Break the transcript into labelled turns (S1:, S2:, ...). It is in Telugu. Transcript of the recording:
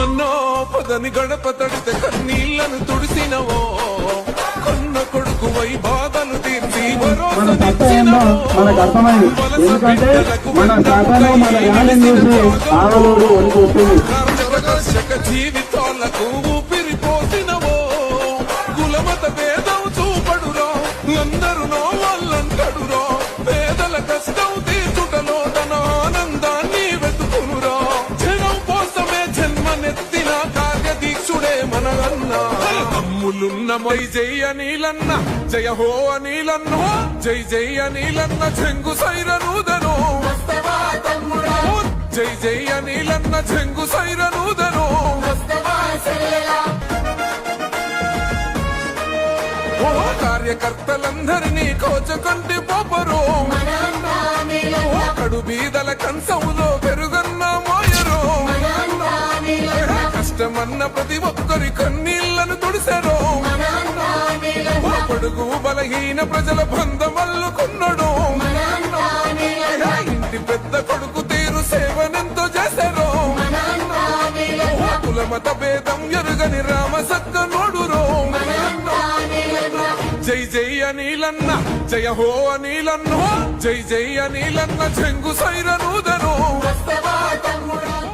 S1: అన్నో పదని గడప తడితే కన్నీళ్లను తుడిసినవో కన్న కొడుకు వై బాధలు తీర్చి
S2: మన సత్యంలో మనకు అర్థమైంది. ఎందుకంటే మన శాతంలో మన ర్యాలీ చూసి ఆవలూరు వణికొస్తుంది.
S1: జీవితాలకు ఊపిరిపోసినవో కులమత భేదం చూపడురో అందరూ నో వాళ్ళంటడురో పేదల కష్టం తీర్చుటలో తన ఆనందాన్ని వెతుకునురా జనం కోసమే జన్మనెత్తిన కార్యదీక్షుడే మన అన్న తమ్ములున్న మై జై అనిలన్న జయ హో అనిలన్న జై జై అనిలన్న చెంగు సైరనూదను జై జై అనిలన్న చెంగు సైరనూదను ఓ కార్యకర్తలందరినీ కోచకంటి పోపరు కడు బీదల కంచంలో పెరుగన్న మోయరు కష్టమన్న ప్రతి ఒక్కరి కన్నీళ్లను తుడిసెరు పొడుగు బలహీన ప్రజల బంధమల్లుకున్నాడు ఇంటి పెద్ద కొడుకు తీరు సేవనెంతో చేశారు కులమత భేదం ఎరుగని రామసక్క నోడురో జై జై అనిలన్న జయ హో అనిలన్న జై జై అనిలన్న చెంగు సైరనూదను